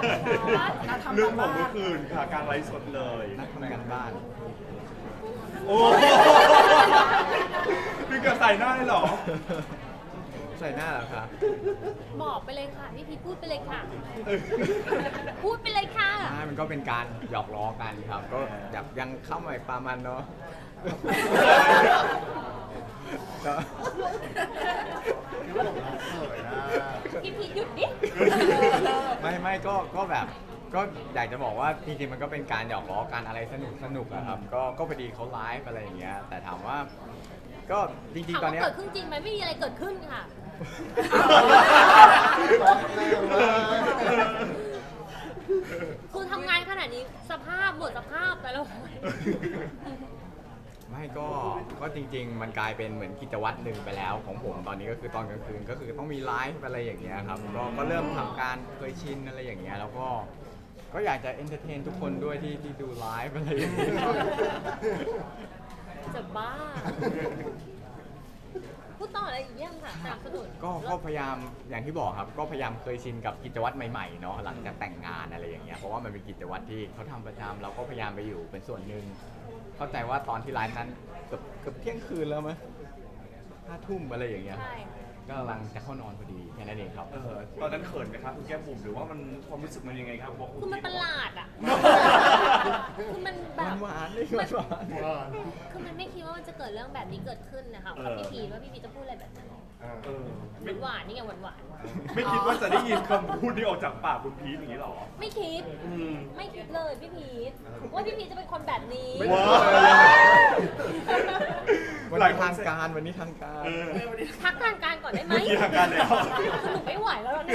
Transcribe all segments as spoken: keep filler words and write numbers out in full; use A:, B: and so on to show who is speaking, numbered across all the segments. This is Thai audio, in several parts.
A: เรื่องของเมื่อคืนค่ะการไลฟ์สดเลย
B: นักทำงานบ้าน
A: โอ้พี่เกิดใส่หน้าเลยเหรอ
B: ใส่หน้าเหรอคะ
C: บอกไปเลยค่ะพี่พีพูดไปเลยค่ะ พูดไปเลยค่ะ
B: อ่ามันก็เป็นการหยอกล้อกันครับ ก็แบบยังเข้าใหม่ปลามันเนาะก็
C: พี่พีหยุดดิ
B: ไม่ไม่ก็ก็แบบก็อยากจะบอกว่าจริงๆมันก็เป็นการหยอกล้อกันอะไรสนุกสนุกอะครับก็ก็พอดีเขาไลฟ์อะไรอย่างเงี้ยแต่ถามว่าก็จริง
C: ถาม
B: ๆตอน
C: ว่า
B: เนี้ย
C: เกิดขึ้นจริงไหมไม่มีอะไรเกิดขึ้นค่ะ คือทำงานขนาดนี้สภาพหมดสภาพแต่ละคน
B: ไม่ก็ก็จริง ๆ มันกลายเป็นเหมือนกิจวัตรหนึ่งไปแล้วของผมตอนนี้ก็คือตอนกลางคืนก็คือต้องมีไลฟ์อะไรอย่างเงี้ยครับก็ก็เริ่มทำการเคยชินอะไรอย่างเงี้ยแล้วก็ก็อยากจะเอนเตอร์เทนทุกคนด้วยที่ที่ดูไลฟ์อะไรอย่างเงี้ย
C: จะบ้า พูดต่ออะไรอีกเยี่ยมค่ะสนับสนุน
B: ก็ก็พยายามอย่างที่บอกครับก็พยายามเคยชินกับกิจวัตรใหม่ๆเนาะหลังจากแต่งงานอะไรอย่างเงี้ยเพราะว่ามันเป็นกิจวัตรที่เขาทำประจำเราก็พยายามไปอยู่เป็นส่วนหนึ่งเข้าใจว่าตอนที่ไลฟ์นั้นเกือบเกือบเที่ยงคืนแล้วมั้ยห้าทุ่มอะไรอย่างเงี้ย
C: ใช่
B: ก็กำลังจะเข้านอนพอดีแค่นั้นเองครับ
A: เออตอนนั้นเขินไหมครับคุณแก้มบุ๋มหรือว่ามันความรู้สึกมันยังไงครับบอกคุณ
C: คือมันประหลาดอ่ะ คือมันแบ
B: หวา
C: บ
B: นหวานๆเลยหวานหวาน
C: คือมันไม่คิดว่ามันจะเกิดเรื่องแบบนี้เกิดขึ้นนะคะกับพี่พีทว่าพี่พีทจะพูดอะไรแบบนั้น
A: เออ
C: หวานหวานๆนี่ไงหวานหวาน
A: ไม่คิดว่าจะได้ยินคำพูดนี้ออกจากปากคุณพีทอย่างนี้หรอ
C: ๆไม่คิด
A: อืม
C: ไม่คิดเลยพี่พีทว่าพี่พีทจะเป็นคนแบบนี้
A: ว้าว
B: วันนี้ทางการวันนี้ทางการ
A: เออ
C: พักทางการก่อนได้ไหม
A: เมื่อกี้ทางการแล้ว
C: สนุกไม่ไหวแล้วเนี่ย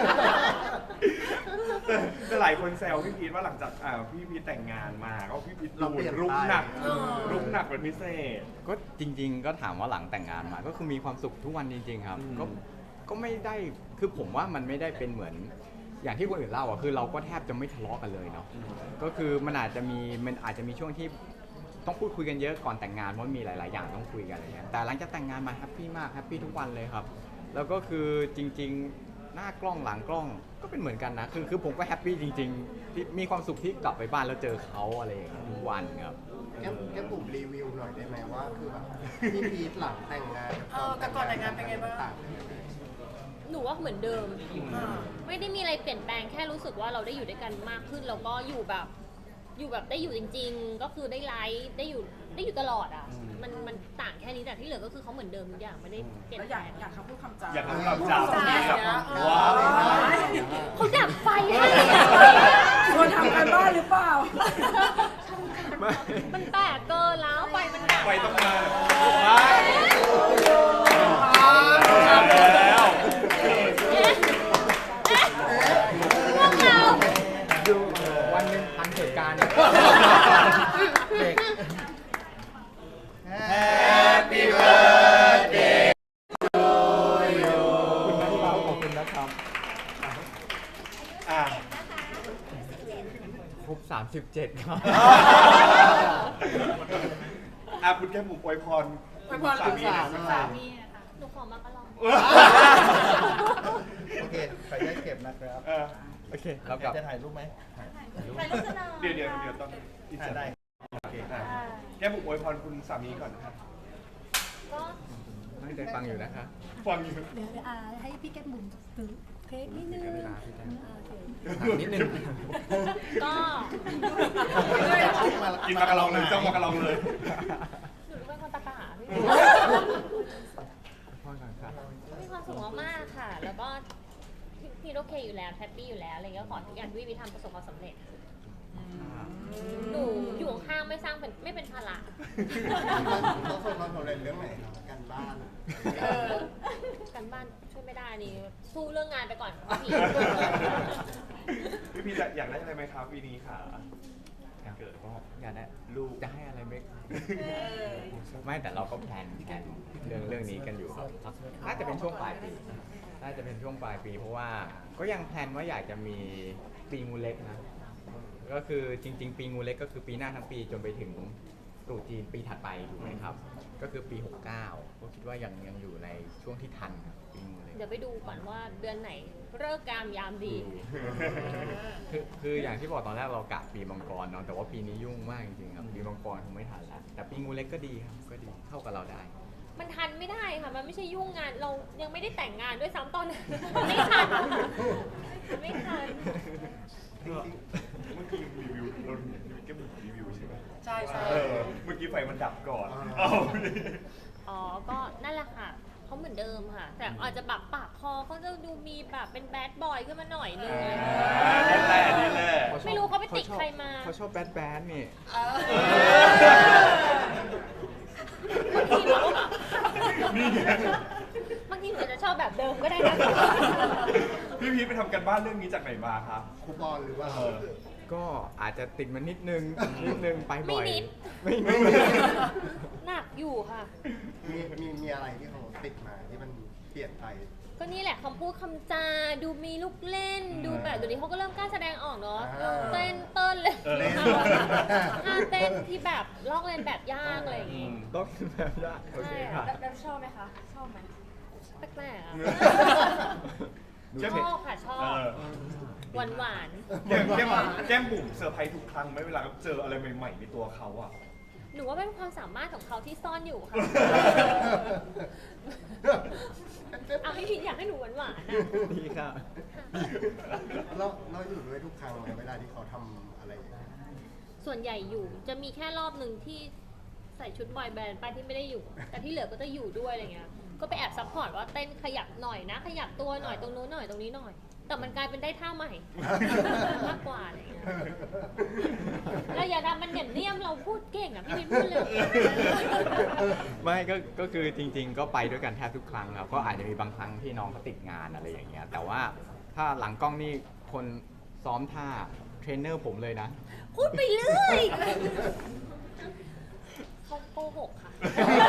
A: แต่แต่หลายคนแซวพี่พีทว่าหลังจากอ่าพี่พีทแต่งงานมาก็พี่พีท
D: เราเปลี่ยน
A: รุกหนัก
D: ไป
A: รุกหนักเป็นพิเศษ
B: ก็จริง ๆ ก็ถามว่าหลังแต่งงานมาก็คือมีความสุขทุกวันจริง ๆ ครับ
A: อืม
B: ก็ก็ไม่ได้คือผมว่ามันไม่ได้เป็นเหมือนอย่างที่คนอื่นเล่าอ่ะคือเราก็แทบจะไม่ทะเลาะกันเลยเนาะก็คือมันอาจจะมีมันอาจจะมีช่วงที่ต้องพูดคุยกันเยอะก่อนแต่งงานเพราะมีหลาย ๆ อย่างต้องคุยกันอะไรเงี้ยแต่หลังจากแต่งงานมาแฮปปี้มากแฮปปี้ทุกวันเลยครับ แล้วก็คือจริง ๆ หน้ากล้องหลังกล้องก็เป็นเหมือนกันนะคือคือผมก็แฮปปี้จริง ๆ ที่มีความสุขที่กลับไปบ้านแล้วเจอเขาอะไรอย่างเงี้ยทุกวันครับ
D: แก้มแก้มบุ๋มรีวิวหน่อยได้ไหมว่าคือแบบพี่พีทหลังแต่งงาน
E: เออกับก่อนแต่งงานเป็นไงบ้าง
D: ต่าง
C: หนูว่าเหมือนเดิม
E: อ่า
C: ไม่ได้มีอะไรเปลี่ยนแปลงแค่รู้สึกว่าเราได้อยู่ด้วยกันมากขึ้นแล้วก็อยู่แบบ อยู่แบบได้อยู่จริง ๆ ก็คือได้ไลฟ์ได้อยู่ได้อยู่ตลอดอ่ะ มันมันต่างแค่นี้แต่ที่เหลือก็คือเขาเหมือนเดิมทุกอย่างไม่ได้เปลี่ยน
E: แล้ว
C: แป
E: อ
C: ล
E: ยาก
C: ง
E: อยากคำพูดคำจา
A: อยากทำกับเจ้า
E: ใช่
A: แบบ
E: นะเออ
A: ว้าว
C: เขาดับไฟให้
E: ชวนทำกันบ้านหรือเปล่า
C: มันแปลกเกินแล้วไฟมันดับ
A: ไฟต้องมาไปแล้ว
C: เอ๊ะเอ๊ะพวกเรา
B: ดูวันหนึ่งทันเหตุการณ์ เด็ก
D: Happy birthday
B: ขอบคุณนะครับขอบคุณนะครับ
A: อ่ะ
B: ครบสามสิบเจ็ดครับ
A: อ่ะคุณแก้มบุ๋มอวยพร
E: อวยพร
A: สามีหน่อย
D: ลู
A: สั
D: ก
A: ก
D: สาว
A: คำ
C: หนูขอมากระลอง
D: โอเคขออนุญาตเก็บนะครับ
A: เออ
B: โอเคเรากลับ
D: จะถ่ายรูปไหม
C: ไปลูกจะนอน
A: เดี๋ยวเดี๋ยวเดี๋ยวตอนอิน
D: ถ่า
A: เสิ
D: ย
A: ร์
D: ได้
A: ตโอเคอ่ะแก้มบุ๋มอวยพรคุณสามีก่อนนะครับ
C: ก็
B: ไม่ได้ฟังอยู่นะคะ
A: ฟังอยู่
F: เดี๋ยวอ่าให้พี่แก้มบุ๋มถือเค้กนิดนึง
B: เดี๋ยวเวลาพี่แก้ม
F: อ่าโอเค
B: ถามนิดนึง
C: ก็
A: กินมากระลองเลยจ้องมากระลองเลย
C: หนูเป็นคนตะกะพี่
B: พ่อก่อนครับ
C: มีความสุขมากๆค่ะ แล้วก็พี่พี่โอเคอยู่แล้วแฮปปี้อยู่แล้วอะไรเงี้ยขอทุกอย่างที่วิทำประสบความสำเร็จ หนูอยู่ข้างๆไม่สร้างเป็นไม่เป็นภาระ
D: เขาส่งความสำเร็จเรื่องไหนครับการบ้าน
C: เออกันบ้านช่วยไม่ได้นี่สู้เรื่องงานไปก่อนพี่
A: พี่พีจะอยากได้อะไรไหมครับปีนี้ค่ะ
B: เกิดก็อยากได้ลูกจะให้อะไรไหมไม่แต่เราก็แพลนแผนเรื่องเรื่องนี้กันอยู่ครับน่าจะเป็นช่วงปลายปีน่าจะเป็นช่วงปลายปีเพราะว่าก็ยังแพลนว่าอยากจะมีปีงูเล็กนะก็คือจริง ๆ ปีงูเล็กก็คือปีหน้าทั้งปีจนไปถึงตรุษจีนปีถัดไปถูกไหมครับ ก็คือปีหกเก้าก็คิดว่ายังยังอยู่ในช่วงที่ทันครับปีงูเล็ก
C: เดี๋ยวไปดูก่อนว่าเดือนไหนเลิกษ์กามยามดี
B: ดคือคืออย่างที่บอกตอนแรกเรากะปีมังกรเนาะแต่ว่าปีนี้ยุ่งมากจริงๆครับปีมังกรคงไม่ทันแล้วแต่ปีงูเล็กก็ดีครับก็ดีเข้ากับเราได้
C: มันทันไม่ได้ค่ะมันไม่ใช่ยุ่งงานเรายังไม่ได้แต่งงานด้วยซ้ำตอนนั้นไม่ทันไม่ทัน
A: เมื่อกี้รีวิวเราแก้มบุ๋มรีวิวใช่ไหม
E: ใช่ใช่
A: เออเมื่อกี้ไฟมันดับก่อน
D: อ่า
A: เอ้า
C: อ๋อ ก็นั่นแหละค่ะ เขาเหมือนเดิมค่ะ แต่อาจจะแบบปากคอเขาจะดูมีแบบเป็นแบดบอยขึ้นมาหน่อยนึง
A: นี่แหละนี่แหละ
C: ไม่รู้เขาไปติดใครมา
B: เขาชอบแบดแบดนี่
C: บางทีเรา
A: นี่ไง
C: บางทีหนูอาจจะชอบแบบเดิมก็ได้นะ
A: พี่พีทไปทำกันบ้านเรื่องนี้จากไหนมาครับ
D: คูปองหรือว่า
A: เออ
B: ก็อาจจะติดมันนิดนึงนิดนึงไปบ่อย
C: ไม่นิด
B: ไม่ไม่นิด
C: หนักอยู่ค่ะ
D: มีมีมีอะไรที่เขาติดมาที่มันเปลี่ยนไป
C: ก็นี่แหละคำพูดคำจา ดูมีลูกเล่น ดูแบบเดี๋ยวนี้เขาก็เริ่มกล้าแสดงออกเนาะ
D: อ่า
C: เต้นเต้นเลย
A: เออ
C: ท่าเต้นที่แบบลอกเลียนแบบยากอะไรอย่างงี้
B: ต้องแบบยากโอเคค่ะ
C: ใช่
E: แล้วชอบไหมคะ ชอบไหม
C: แปลกๆอะ
B: ดู
C: ช
B: เผ็ด
C: อบค่ะชอ
A: เอบ อ
C: หวานหวาน
A: แก้มแก้มแก้มบุ๋มเซอร์ไพรส์ทุกครั้งไหมเวลาเจออะไรใหม่ๆในตัวเขาอ่ะ
C: ๆหนูว่าเป็นความสามารถของเขาที่ซ่อนอยู่ค่ะ เอาพี่พินอยากให้หนูหวานหวานๆอะ
B: ดีค่ะ
D: เราเราอยู่ด้วยทุกครั้งไหมเวลาที่เขาทำอะไรอย่างเงี้ย
C: ส่วนใหญ่อยู่จะมีแค่รอบหนึ่งที่ใส่ชุดบอยแบนด์ไปที่ไม่ได้อยู่ แต่ที่เหลือก็จะอยู่ด้วยอะไรเงี้ย ก็ไปแอบซัพพอร์ตว่าเต้นขยับหน่อยนะ ขยับตัวหน่อยตรงนู้นหน่อยตรงนี้หน่อย แต่มันกลายเป็นได้ท่าใหม่ มากกว่าอะไรเงี้ยเราอย่าทำมันเหนียมเนียมเราพูดเก่งอ่ะพี่พินพูดเลย
B: ไม่ก็ก็คือจริง ๆ ก็ไปด้วยกันแทบทุกครั้งครับก็อาจจะมีบางครั้งที่น้องเขาติดงานอะไรอย่างเงี้ยแต่ว่าถ้าหลังกล้องนี่คนซ้อมท่าเทรนเนอร์ผมเลยนะ
C: พูดไปเรื่อยเขาโกหกค่ะ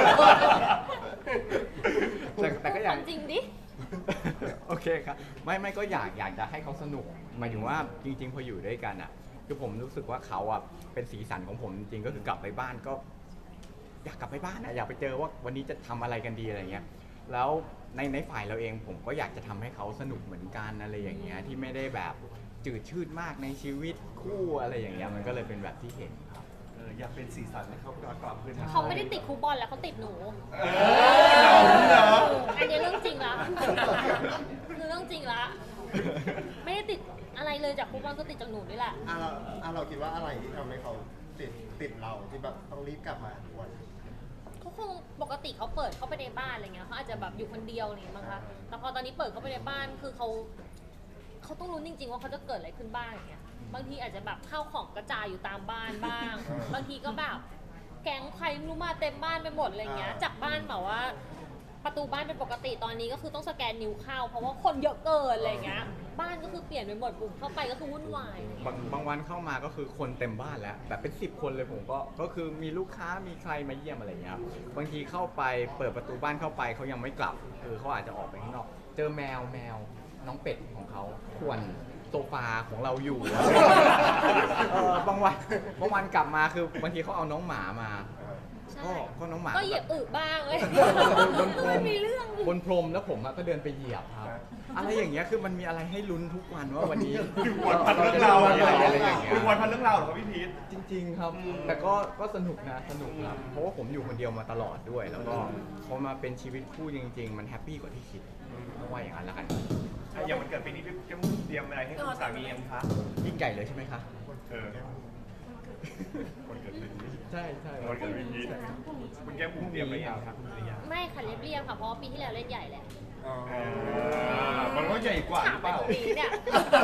B: แต่แต่ก็อยาก
C: พูดควมจริงดิ
B: โอเคครับไม่ไม่ก็อยากอยากจะให้เขาสนุกหมายถึงว่าจริง ๆ พออยู่ด้วยกันอ่ะคือผมรู้สึกว่าเขาอ่ะเป็นสีสันของผมจริงๆก็คือกลับไปบ้านก็ อยากกลับไปบ้านอ่ะอยากไปเจอว่าวันนี้จะทำอะไรกันดีอะไรเงี้ยแล้วในในฝ่ายเราเองผมก็อยากจะทำให้เขาสนุกเหมือนกันอะไรอย่างเงี้ยที่ไม่ได้แบบจืดชืดมากในชีวิตคู่อะไรอย่างเงี้ยมันก็เลยเป็นแบบที่เห็นครับ
A: เอออยากเป็นสีสันให้เขากลับกลับคืนมา
C: เขาไม่ได้ติดครูบอลแล้วเขาติดหนู
A: เออเราเหรอ
C: อันนี้เรื่องจริงละคือเรื่องจริงละ ไม่ได้ติดอะไรเลยจากครูบอลก็ติดจากหนูนี่แหละ
D: อ่ะเราอ่ะเราคิดว่าอะไรที่ทำให้เขาติดติดเราที่แบบต้องรีบกลับมาทุกวัน
C: เขาคงปกติเขาเปิดเข้าไปในบ้านอะไรเงี้ยเขาอาจจะแบบอยู่คนเดียวอะไรเงี้ยมั้งคะ แต่พอตอนนี้เปิดเข้าไปในบ้านคือเขาเขาต้องรู้จริง ๆ ว่าเขาจะเกิดอะไรขึ้นบ้างอย่างเงี้ย บางทีอาจจะแบบข้าวของกระจายอยู่ตามบ้านบ้าง บางทีก็แบบแก๊งใครไม่รู้มาเต็มบ้านไปหมดอะไรเงี้ย จากบ้านแบบว่า ประตูบ้านเป็นปกติตอนนี้ก็คือต้องสแกนนิ้วเข้าเพราะว่าคนเยอะเกินอะไรเงี้ย บ้านก็คือเปลี่ยนไปหมดบุ่มเข้าไปก็คือวุ่นวาย
B: บางบางวันเข้ามาก็คือคนเต็มบ้านแล้วแบบเป็นสิบคนเลยผมก็ก็คือมีลูกค้ามีใครมาเยี่ยมอะไรอย่างเงี้ยครับบางทีเข้าไปเปิดประตูบ้านเข้าไปเขายังไม่กลับคือเขาอาจจะออกไปข้างนอก เจอแมวแมวน้องเป็ดของเขาควรโซฟาของเราอยู่ เออบางวันบางวันกลับมาคือบางทีเขาเอาน้องหมามา
C: ใช่
B: ก็ก็น้องหมา
C: ก็เหยียบอึบ้างเลย
B: บนพร
C: ไม่
B: ม
C: มีเรื่อง
B: บนพรมแล้วผมอะก็เดินไปเหยียบครับ อะไรอย่างเงี้ยคือมันมีอะไรให้ลุ้นทุกวันว่าวันนี้
A: อยู่วันพันเรื่องราว
B: อะ
A: อะไร
B: ไรอะไรอย่างเงี้ย
A: อยู่วันพันเรื่องราวเหรอครับพี่พีท
B: จริง ๆ ครับ
A: อืม
B: แต่ก็ก็สนุกนะสนุกครับเพราะว่าผมอยู่คนเดียวมาตลอดด้วย แล้วก็พอมาเป็นชีวิตคู่จริง ๆ มันแฮปปี้กว่าที่คิดเพราะว่าอย่างนั้นแล้วกัน
A: อ่ะอย่างมันเกิดปีนี้พี่แก้มเตรียมอะไรให้คุณสามียังคะ
B: ยิ่งใหญ่เลยใช่ไหมคะ
A: เออวันเกิดปีนี้
B: ใช่ใช่
A: วันเกิดปีนี้คุณแก้มบุ๋มเตรียมอะไรยังครับหรือยัง
C: ไม่ค่ะเรียบเรียบๆค่ะเพราะว่าปีที่แล้วเล่นใหญ่แหละ
D: อ๋อ
A: อ่ามันก็ใหญ่กว่าห
C: ถา
A: รื
C: ม
A: อ
C: ไป
A: เปล่า
C: ตรงนี้เนี่ย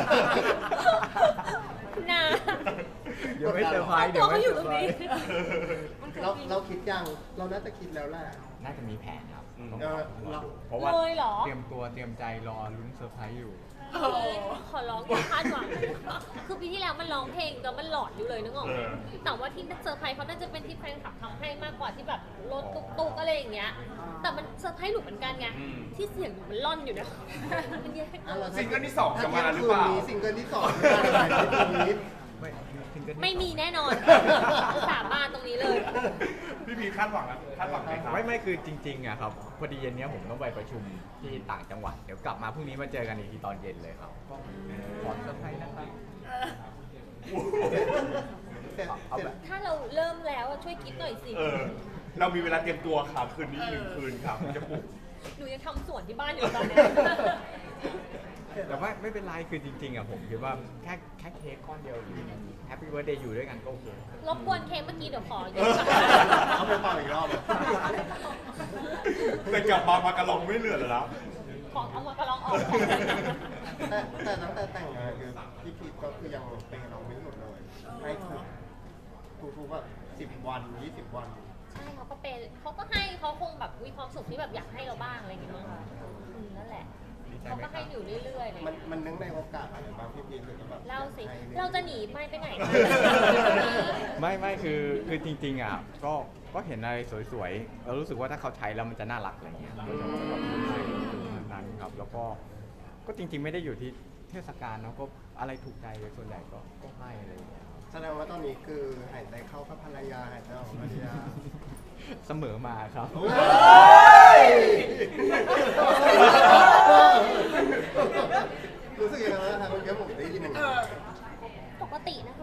C: นะ
B: เดี๋ยวไม่เซอร์ไพรส์เดี๋
C: ตั
B: ยว ว
C: เขา
B: ไม่
C: อยู่
B: เซ
C: ต
B: อ
C: รง
B: ร์ไพร
C: นี้
B: ส์
D: เราเราคิดยังเราน่าจะคิดแล้วแหละ
B: น่าจะมีแผนครับต้อง
D: เออ
B: รอ
D: เรา
B: ดูเพราะว่า
C: เลยเหรอ
B: เตรียมตัวเตรียมใจรอลุ้นเซอร์ไพรส์อยู่
C: ขอร้องอย่าคาดหวังคือปีที่แล้วมันร้องเพลงแต่มันหลอนอยู่เลยนึกออกไหม
A: เออ
C: แต่ว่าที่เซอร์ไพรส์เขาน่าจะเป็นที่แฟนคลับทำให้มากกว่าที่แบบรถตุกๆอะไรอย่างเงี้ย แต่มันเซอร์ไพรส์หนูเหมือนกันไง
A: อืม
C: ที่เสียงหนูมันล่อนอยู่นะมันแย่
D: อ่ะเรา
A: ซิงเกิลที่สองจะมาหรือเปล่า
D: ถ้ที่ยงคืนนี้ซิงเกิลที่สองจะมาอะไรในปีนี้
B: ไม่ถึงจะ
C: ไม่มีแน่นอนสาบานตรงนี้เลย
A: พี่พีทคาดหวังนะคาดหวังไหมครับ
B: ไม่ไม่คือจริงๆอะครับพอดีเย็นเนี้ยผมต้องไปประชุมที่ต่างจังหวัดเดี๋ยวกลับมาพรุ่งนี้มาเจอกันอีกทีตอนเย็นเลยครับก็ขอเซอร์ไพรส์นะครับ
C: ช่วยคิดหน่อยสิ
A: เออ เรามีเวลาเตรียมตัวค่ะคืนนี้หนึ่งคืนค่ะจะปลุก
C: หนูยังทำสวนที่บ้านอยู่ตอนเนี้ย
B: แต่ว่าไม่เป็นไรคือจริงๆอ่ะผมคิดว่าแค่แค่เค้กก้อนเดียวแฮปปี้เบิร์ดเดย์อยู่ด้วยกันก็โอเค
C: รบกวนเค้กเมื่อกี้เดี๋ยวขอยืม
D: เอาไปเป่าอีกรอบ
A: แต่กลับมามากระลองไม่เหลือแล้ว
C: ขอเอามากระลองออก
D: แต่แต่ตั้งแต่แต่งงานคือพี่พีทก็คือยังเป็นเราไม่หยุดเลยให้ทุกทุกๆแบบสิบวันยี่สิบวัน
C: ใช่เขาก็เป็นเขาก็ให้เขาคงแบบมีความสุขที่แบบอยากให้เราบ้างอะไรอย่างเงี้ยมั้งคะอืมนั่นแหละ
B: ดีใจ
C: เขา
B: ไหม
C: ก็
B: ค
C: ให้
B: รับ
C: อยู่เรื่อยๆเลย
D: มันมันนึกในโอกาสอะไรบ้างพี่พีทหรือแบบ
C: เล่าสิ
D: ให้
C: เราจะหนีไม่ไปไหน
B: ไม่ไม่คือคือจริงๆอ่ะก็ก็เห็นอะไรสวยๆเรารู้สึกว่าถ้าเขาใช้แล้วมันจะน่ารักอะไรเงี้ยเราจะแบบให้นั้นครับแล้วก็ก็จริง ๆ ไม่ได้อยู่ที่เทศกาลเนาะก็อะไรถูกใจส่วนใหญ่ก็ก็ให้อะไรอย่างเงี้ยครับ
D: แสดงว่าตอนนี้คือหายใจเข้ากับภรรยาหายใจออกกับภรรยา
B: เสมอมาครับ
D: รู้สึกยังไงบ้างครับเมื่อกี้ผมได้ยินอย่างนี้
C: ปกตินะคะ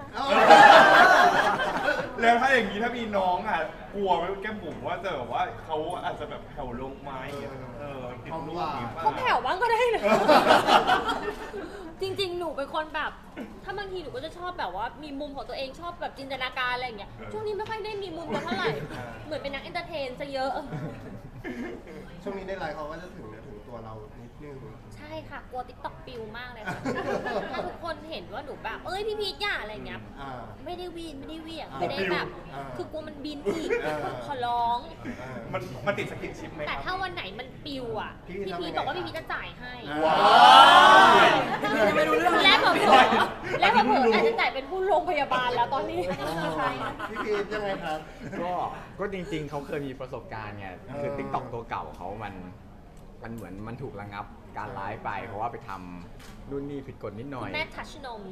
A: แล้วถ้าอย่างนี้ถ้ามีน้องอ่ะกลัวไหมแก้มบุ๋มว่าจะแบบว่าเขาอาจจะแบบแผ่วลงไหมเออติดลูกอีก
C: เขาแผ่วบ้างก็ได้นะ จริงๆ หนูเป็นคนแบบ ถ้าบางทีหนูก็จะชอบแบบว่ามีมุมของตัวเองชอบแบบจินตนาการอะไรอย่างเงี้ย ช่วงนี้ไม่ค่อยได้มีมุมกันเท่าไหร่ เหมือนเป็นนักเอนเตอร์เทนซะเยอะ
D: ช่วงนี้ในไลน์เขาก็จะถึงเนื้อถึงตัวเรานิดนึง
C: ใช่ค่ะ กลัวติ๊กต็อกปิวมากเลยค่ะ ถ้าทุกคนเห็นว่าหนูแบบ เอ้ยพี่พีทอย่าอะไรอย่างเงี้ย
D: อ่า
C: ไม่ได้วีนไม่ได้เหวียง
D: อ่า
C: ไม่ได้แบบ
D: อ่า
C: คือกลัวมันบินอีก
D: อ่า
C: ขอร้อง
D: อ่า
A: มันมันติดสกินชิปไหม
C: แต่
A: ค
C: ถ้า
A: รับ
C: วันไหนมันปิวอ่ะ
D: พี่
C: พี่
D: ทำ
C: พี
D: ยังไง
C: ทบอกว่า
D: ครับ
C: พี่พีทจะจ่ายให้
D: ว้าว
E: ยังไม่รู้เรื่อง
C: และเผลอๆและเผลอๆอาจจะจ่ายเป็นผู้โรงพยาบาลแล้วตอนนี้
D: พี่พีทยังไงครับ
B: ก็ก็จริงๆ เขาเคยมีประสบการณ์ไงคือ
D: เออ
B: ติ๊กต็อกตัวเก่าเขามันมันเหมือนมันถูกระงับการไลฟ์ไป เพราะว่าไปทำนู่นนี่ผิดกฎนิดหน่อย
C: แม่ทัชนม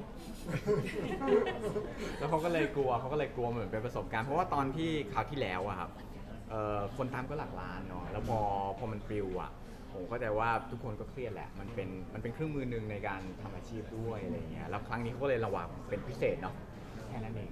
B: แล้วเขาก็เลยกลัวเขาก็เลยกลัวเหมือนเป็นประสบการณ์เพราะว่าตอนที่คราวที่แล้วอะครับเอ่อคนตามก็หลักล้านเนาะแล้วพอพอมันปลิวอะผมเข้าใจว่าทุกคนก็เครียดแหละมันเป็นมันเป็นเครื่องมือหนึ่งในการทำอาชีพด้วยอะไรอย่างเงี้ยแล้วครั้งนี้เขาก็เลยระวังเป็นพิเศษเนาะแค่นั้นเอง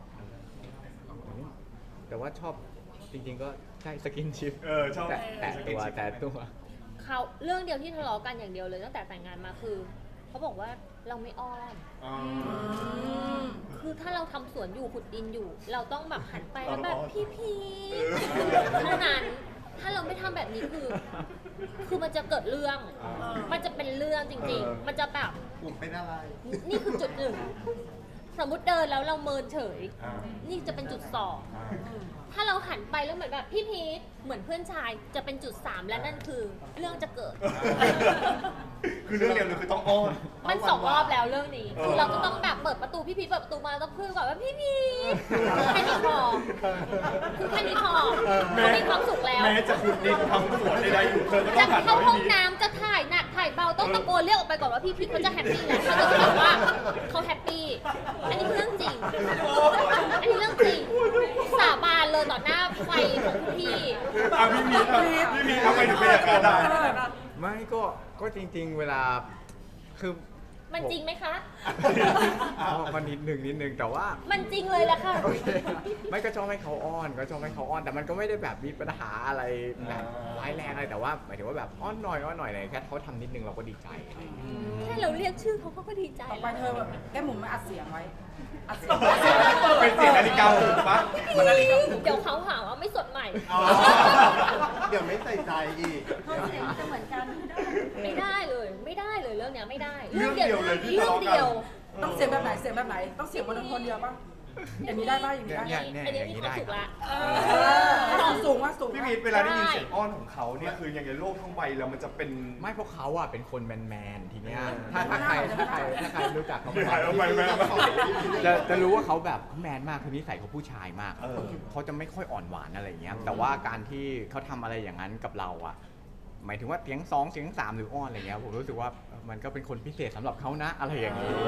B: แต่ว่าชอบจริงๆก็ใช่สกินชิป
A: เออชอบ
B: แต่แต่ตัวแต่ตัว
C: เขาเรื่องเดียวที่ทะเลาะกันอย่างเดียวเลยตั้งแต่แต่งงานมาคือเขาบอกว่าเราไม่อ้อน
A: อ๋อ
C: คือถ้าเราทำสวนอยู่ขุดดินอยู่ เราต้องแบบหันไปแล้วแบบ
A: เราอ้อน
C: พี่พี
A: เออ
C: เท่านั้น ถ้าเราไม่ทำแบบนี้คือ คือมันจะเกิดเรื่อง มันจะเป็นเรื่องจริง ๆ มันจะแบบ
D: ผมเป็นอะไร
C: นี่คือจุดหนึ่ง สมมติเดินแล้วเราเมินเฉย
D: อ่า
C: นี่จะเป็นจุดสอง
D: อ่า
C: ถ้าเราหันไปแล้วเหมือนแบบพี่พีทเหมือนเพื่อนชายจะเป็นจุดสามและนั่นคือเรื่องจะเกิด
A: คือเรื่องเดียวเลยคือต้องอ้อน
C: มันสองรอบแล้วเรื่องนี้
A: เออ
C: คือเราก็ต้องแบบเปิดประตูพี่พีทเปิดประตูมาแล้วต้องพูดก่อนว่าพี่พีทแค่นี้พอคือแค่นี้พอเขามีความสุขแล้ว
A: แม้จะขุดดินทำสวนใดๆอยู่เธอก็ต้
C: จะ
A: องหัน
C: เข้า
A: มา
C: ห้อง
A: ให้ดี
C: น้ำจะถ่ายหนักถ่ายเบาต้องตะโกนเรียกออกไปก่อนว่าพี่พีทเขาจะแฮปปี้แล้วเขาจะรู้สึกว่าเขาแฮปปี้อันนี้คือเรื่องจริง อันนี้เรื่องจริงสาบานเลยต่อหน้าไฟของคุณพี่
A: อ่ะพี่มีครับพี่มีทำไมถึงเป็นอย่างนั้นได้
B: ไม่ก็ก็จริง ๆ เวลาคือ
C: มันจริงไหมคะ
B: อ๋อก็นิดหนึ่งนิดหนึ่งแต่ว่า
C: มันจริงเลยแหละค่ะ
B: โอเคไม่ก็ชอบให้เขาอ้อนก็ชอบให้เขาอ้อน แต่มันก็ไม่ได้แบบมีปัญหาอะไรแบบร้ายแรงอะไรแต่ว่าหมายถึงว่าแบบอ้อนหน่อยอ้อนหน่อยอะไรแค่เขาทำนิดนึงเราก็ดีใจอะไรอย่างเงี้ย
C: แค่เราเรียกชื่อเขาเขาก็ดีใจ
E: ต่อไป
C: แล้ว
E: เธอแบบแก้มหมุนมาอัดเสียงไว้ อัดเสียง
A: เป็นเสียงนาฬิกาปลุกปะ
C: เดี๋ยวเขาหาว่าไม่สดใหม่
D: อ๋อเดี๋ยวไม่ใส่ใจอีก
F: เขาเสียงจะเหมือนกัน
C: ไม่ได้เลย ไม่ได้เลยเรื่องเนี้ยไม่ได้
A: เรื่องเดียวเลยที่
C: เรื่
A: ทะ
C: อง
A: เลาะกัน
C: เดียว
E: ต้องเสียงแบบไหน เสียงแบบไหน ต้องเสียงบนคนเดียวป่ะ อย่างนี้ได้ป่ะ อย่างนี้ได้
B: เนี่ยเนี่ย
C: อันนี้
B: อย่าง
C: มี
B: นี้
C: ความ
B: ได้
C: สุข
B: ครั
C: ละ
B: บ
E: เออสูงว่าสูง
A: พี่
E: ว่า
A: มีเวลาได้ยินเสียงอ้อนของเขาเนี่ยคือยังไงโลกทั้งใบแล้วมันจะเป็น
B: ไม่เพราะเขาอ่ะเป็นคนแมนๆทีเนี้ยถ้าถ้าใครถ้าใครถ้าใครรู้จักเขา
A: ไม่หายเอาไปแม่
B: จะจะรู้ว่าเขาแบบเขาแมนมากคือนิสัยเขาผู้ชายมาก
A: เออ
B: เขาจะไม่ค่อยอ่อนหวานอะไรอย่างเงี้ยแต่ว่าการที่เขาทำอะไรอย่างนั้นกับเราอ่ะหมายถึงว่าเสียงสองเสียงสามหรืออ้อนอะไรเงี้ยผมรู้สึกว่ามันก็เป็นคนพิเศษสำหรับเขานะอะไรอย่างเงี้ย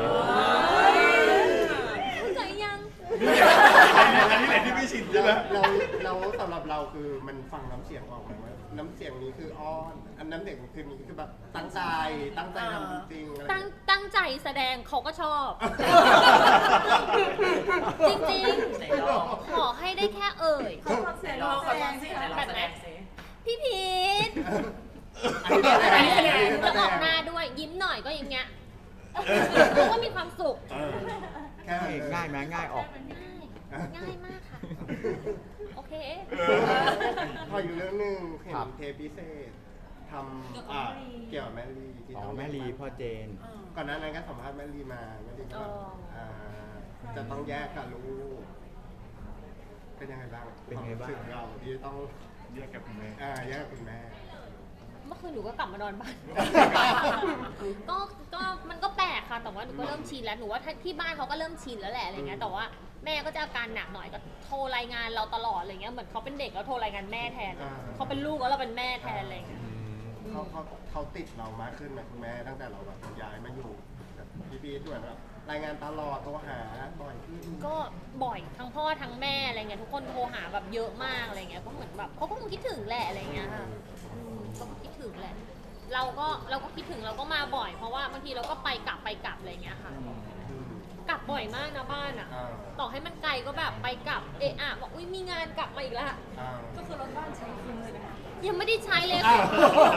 C: เข้าใจยัง
A: อันนี้แหละที่ไม่ชินใช่ไหม
D: เราเราสำหรับเราคือมันฟังน้ำเสียงออกไหมว่าน้ำเสียงนี้คืออ้อน อันน้ำเสียงคือนี้คือแบบตั้งใจ ตั้งใจทำจริงๆอะไร
C: ตั้งตั้งใจแสดงเขาก็ชอบ
B: เ
C: จริงๆ ขอให้ได้แค่เอ่ย
E: เขาฟังเสียงเราแสดงสิ
C: แบบไหน พี่พีท
D: อันนี้แสดง
C: แล้วออกหน้าด้วยยิ้มหน่อยก็อย่างเงี้ยก็มีความสุข
D: เออแค่นั้นเลย
B: ง่ายไหมง่ายออก
C: ง่ายง่ายมากค่ะ โอเค
D: พออยู่เรื่องหนึ่งเห็น
B: ครับ
D: เทปพิเศษทำอ่าเกี่ยวกับแม่ลีที่
B: อ๋อ
D: ต้อง
B: แม่ลีพ่อเจน
D: ก่อนหน้านั้นก็สัมภาษณ์แม่ลีมาแม่ลีก็แบบ
C: อ๋ออ่
D: าจะต้องแยกกับลูกเป็นยังไงบ้าง
B: เป็นไงบ้าง
D: ควมรู้สึกเราที่ต้อง
A: แยกกับคุณแม่
D: อ่าแยกกับคุณแม่
C: เมื่อคืนหนูก็กลับมานอนบ้าน ก็ ก็มันก็แปลกค่ะ แต่ว่าหนูก็เริ่มชินแล้ว หนูว่าถ้าที่บ้านเขาก็เริ่มชินแล้วแหละอะไรเงี้ย แต่ว่าแม่ก็จะอาการหนักหน่อยก็โทรรายงานเราตลอดอะไรเงี้ย เหมือนเขาเป็นเด็กแล้วโทรรายงานแม่แทน
D: อ่า
C: เขาเป็นลูกแล้วเราเป็นแม่แทนอะไรเงี้ย
D: เขาเขาเขาติดเรามากขึ้นไหมคุณแม่ตั้งแต่เราแบบย้ายมาอยู่แบบพี่พีด้วยแบบรายงานตลอดโทรหาบ่อยขึ้น
C: ก็บ่อยทั้งพ่อทั้งแม่อะไรเงี้ยทุกคนโทรหาแบบเยอะมากอะไรเงี้ยก็เหมือนแบบเขาก็คงคิดถึงแหละอะไรเงี้ยค่ะอืมเขาก็คิดถึงแหละ เราก็เราก็คิดถึงเราก็มาบ่อย เพราะว่าบางทีเราก็ไปกลับไปกลับอะไรเงี้ยค่ะ
D: อืม
C: กลับบ่อยมากนะบ้านอ่ะ
D: อ่า
C: ต่อให้มันไกลก็แบบไปกลับเอะอะบอกอุ้ยมีงานกลับมาอีกแล้ว
D: อ่า
E: ก็คือรถบ้านใช้คุ้มเลยนะคะ
C: ยังไม่ได้ใช้เลย
D: อ้า
C: ค่ะ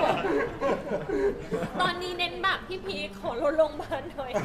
D: ว
C: ตอนนี้เน้นแบบพี่พีคขอรถโรงพยาบาลหน่อย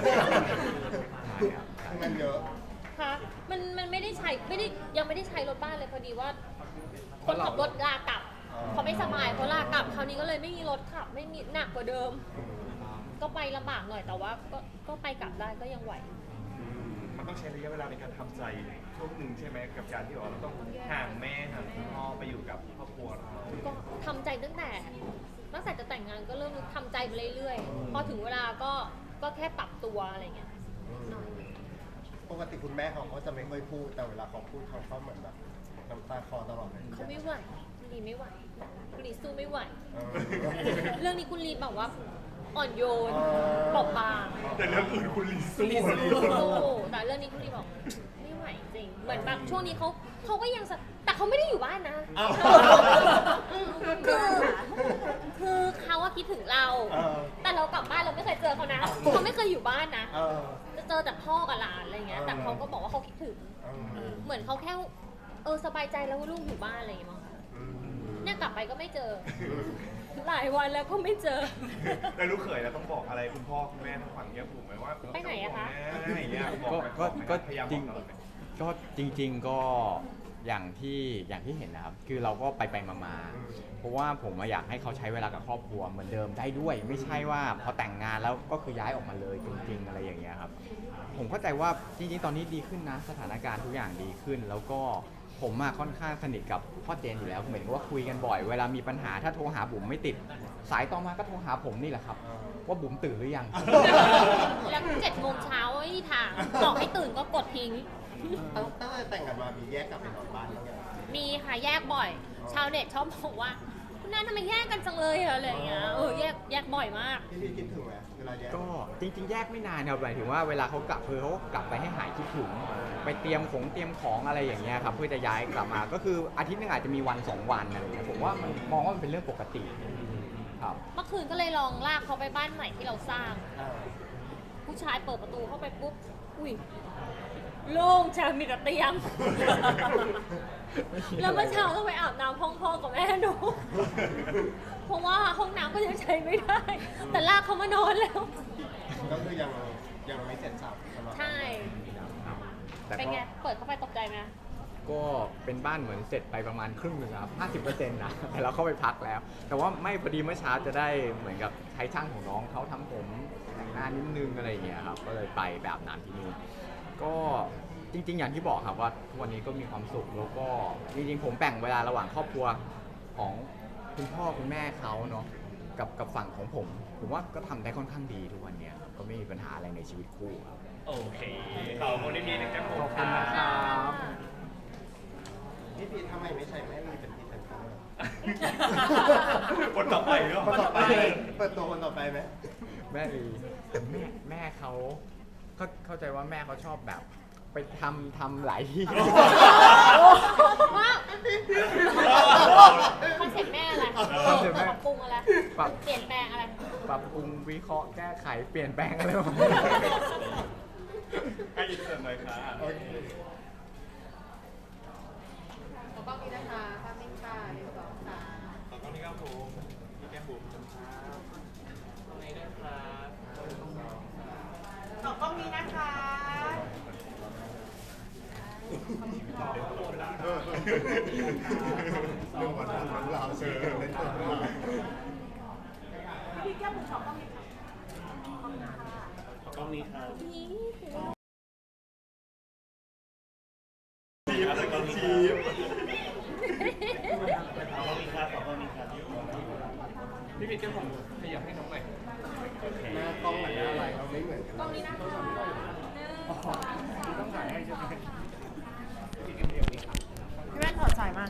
D: มันเยอะ
C: ค่ะมันมันไม่ได้ใช้ไม่ได้ยังไม่ได้ใช้รถบ้านเลยพอดีว่า คนขับรถลากลับ
D: อ๋อ
C: เขาไม่สบายเขาลากลับคราวนี้ก็เลยไม่มีรถขับไม่มีหนักกว่าเดิม ก็ไปลำบากหน่อยแต่ว่าก็ก็ไปกลับได้ก็ยังไหว
A: มันต้องใช้ระยะเวลาในการทำใจช่วงหนึ่งใช่ไหมกับการที่ว่าเราต้องห่างแม่ห่างคุณพ่อไปอยู่กับครอบครัวเรา
C: ก็ทำใจตั้งแต่ตั้งแต่จะแต่งงานก็เริ่มทำใจไปเรื่อยๆพอถึงเวลาก็ก็แค่ปรับตัวอะไรเงี้ยหน่อย
D: ปกติคุณแม่เขาก็จะไม่ค่อยพูดแต่เวลาเขาพูดเขาก็เหมือนแบบน้ำตาคลอตลอดเลย
C: เขาไม่ไหวคุณลีไม่ไหวคุณลีสู้ไม่ไหว
D: เออ
C: เรื่องนี้คุณลีแบบว่าอ่อนโยน
D: อ๋อ
C: บอบบาง
A: แต่เรื่องอื่นคุณลีสู้
C: สู้แต่เรื่องนี้คุณลีบอกไม่ไหวจริง เหมือนแบบช่วงนี้เขาเขาก็ยังสะแต่เขาไม่ได้อยู่บ้านนะ
D: อ้าว
C: คือคือเขาว่าคิดถึงเรา
D: เออ
C: แต่เรากลับบ้านเราไม่เคยเจอเขานะเขาไม่เคยอยู่บ้านนะ
D: เออ
C: จะเจอแต่พ่อกับหลานอะไรเงี้ย แต่เขาก็บอกว่าเขาคิดถึง
D: เออ
C: เหมือนเขาแค่เออสบายใจแล้วว่าลูกอยู่บ้านอะไรอย่างเงี้ยมั้งคะ
D: อืม
C: เนี่ยกลับไปก็ไม่เจอ หลายวันแล้วก็ไม่เจอ
A: แล้วลูกเขยเราต้องบอกอะไรคุณพ่อคุณแม่ทางฝั่งแก้มบุ๋มไหมว่า
C: ไปไหนอะคะ
A: แม่อย่างเงี้ยบอก
B: ก็
A: ไหม
B: ก็
A: บอกไหม
B: ก็
A: พยายาม
B: จ
A: บ
B: ริ
A: อง กเราไหม
B: ก็จริง ๆก็อย่างที่อย่างที่เห็นนะครับ คือเราก็ไปไปๆมาๆเพราะว่าผมอะอยากให้เขาใช้เวลากับครอบครัวเหมือนเดิมได้ด้วย ไม่ใช่ว่าพอแต่งงานแล้วก็คือย้ายออกมาเลยจริง ๆ อะไรอย่างเงี้ยครับ ผมเข้าใจว่าจริงๆ ตอนนี้ดีขึ้นนะ สถานการณ์ทุกอย่างดีขึ้น แล้วก็ผมอะค่อนข้างสนิทกับพ่อเจนอยู่แล้วเหมือนกับว่าคุยกันบ่อย เวลามีปัญหาถ้าโทรหาบุ๋มไม่ติด สายต่อมาก็โทรหาผมนี่แหละครับ ว่าบุ๋มตื่นหรือยัง
C: แล้วเจ็ดโมงเช้าไม่มีทางบอกให้ตื่นก็กดทิ้ง
D: ตั้งตั้งแต่แต่งกันมามีแยกกลับไปนอนบ้านบ้างยัง
C: มีค่ะแยกบ่อย ชาวเน็ตชอบบอกว่า คุณน้าทำไมแยกกันจังเลยอะอะไรอย่างเงี้ยเออแยกแยกบ่อยมาก
D: พี่พี่คิดถึงไหมเวลาแยก
B: ก็จริงๆ แยกไม่นานครับหมายถึงว่าเวลาเขากลับคือเขาก็กลับไปให้หายคิดถึง ไปเตรียมของเตรียมของอะไรอย่างเงี้ยครับเพื่อจะย้ายกลับมา ก็คืออาทิตย์หนึงอาจจะมีวันสองวันอะไรอย่างเงี้ยผมว่ามันมองว่ามันเป็นเรื่องปกติครับ
C: เมื่อคืนก็เลยลองลากเขาไปบ้านใหม่ที่เราสร้าง
D: อ่า
C: ผู้ชายเปิดประตูเข้าไปปุ๊บ อุ้ยโล่งชามีแต่เตียง แล้วเมื่อเช้าต้องไปอาบน้ำห้องพ่อกับแม่หนู เพราะว่าห้องน้ำก็ยังใช้ไม่ได้ แต่ลากเขามานอนแล้ว
D: ก็คือยังยังไม่เสร็จสับสำหรับ
C: ใช่
B: แต่
C: เป็น
B: ก็
C: ไง เปิดเข้าไปตกใจไหม
B: ก็เป็นบ้านเหมือนเสร็จไปประมาณครึ่งหนึ่งครับห้าสิบเปอร์เซ็นต์นะ แต่เราเข้าไปพักแล้ว แต่ว่าไม่พอดีเมื่อเช้าจะได้เหมือนกับใช้ช่างของน้องเขาทำผมแต่งหน้านิดนึงอะไรอย่างเงี้ยครับ ก็เลยไปแบบนั้นที่นู่นก็จริง ๆ อย่างที่บอกครับว่าทุกวันนี้ก็มีความสุขแล้วก็จริงๆ ผมแบ่งเวลาระหว่างครอบครัวของคุณพ่อคุณแม่เขาเนาะกับกับฝั่งของผม ผมว่าก็ทำได้ค่อนข้างดีทุกวันเนี้ยครับก็ไม่มีปัญหาอะไรในชีวิตคู่ครับ
A: โอเคขอบคุณที่มีนะครับผม
B: ขอบคุณนะครับ
D: พี่พีทำไมไม่ใช่แม่ลีเป็นพรีเซนเตอร์
A: คนต่อไปก็
D: คนต่อไปเปิดตัวคนต่อไปไหม
B: แม่ลีแต่แม่แม่เขาเขาเข้าใจว่าแม่เขาชอบแบบ ไปทำทำหลายที่
C: ว้าวคอนเซ็ปต์แม่อะไร
B: คอนเซ็ปต์แม่
C: ปรับปรุงอะไร
B: ปรับ
C: เปลี่ยนแปลงอะไร
B: ปรับปรุงวิเคราะห์แก้ไขเปลี่ยนแปลงอะไรประมาณนี้
A: ให้ยินเสริมหน่อยค่ะ
D: โอเค
G: ขอกล้องนี้นะคะภาพนิ่งค่ะหนึ่งสองสาม
A: ขอบคุณที่ครับผมพี่แก้มบุ๋มครับตรงนี้ด้วยครับหนึ่งสองสาม
G: ขอกล้องนี้นะคะ
D: เออเรื่องวันของเราเชิญเล่นตัวเรา
G: พี่แก้มบุ๋มขอกล้องนี้ค่ะ
A: ขอกล้องนี้ครับ
C: นี่
A: ชีฟแล้วก็ชีฟขอกล้องนี้ครับขอกล้องนี้ครับพี่พีทแก้มบุ๋มขยับให้น้องหน่อย
D: หน้ากล้องกับหน้าอะไรเราไม่เหมือนกัน
C: กล้องนี้นะคะ
A: ต้องถ่ายให้ใช่ไหม
G: พี่แว่นถอดสายมา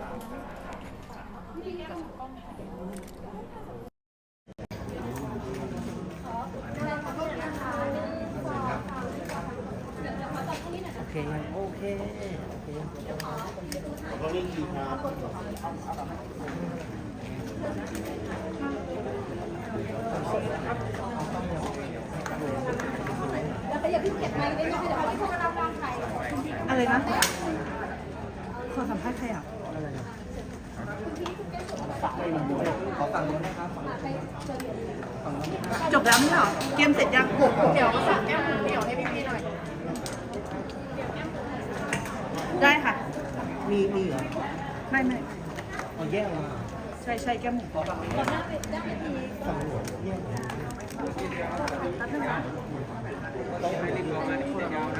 D: โอเคโอเคโอเคขอเล่นทีครับ
F: แล้วก็อย่าเพิ่งเก็บไว้ได้ไหมเดี๋ยวให้พวกเราวางไข่
E: อะไรนะขอสัมภาษณ์ใครอ่ะ
D: ขอฝั่งนู้นนะครับ
E: จบแล้วไม่ใช่เหรอ เกมเสร็จยัง
G: เดี๋ยวฝากแก้มบุ๋มเดี๋ยวให้พี่ๆหน่อย
E: ได้ค่ะ
D: มีมีเหรอ
E: ไม่ไม่
D: เอาแยกมา
E: ใช่ใช่แก้มหมู
F: ก่อนหน้าเป็นด้านที
D: ฝั่งนู้นแยกมา
B: ต้องให้รีบประมาณนี้ยาวนะ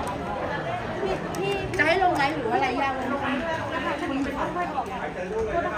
F: พี่พี่จะให้ลงไลฟ์หรือว่าอะไรยาวลงคุณค่อยๆบอกโทษนะคะ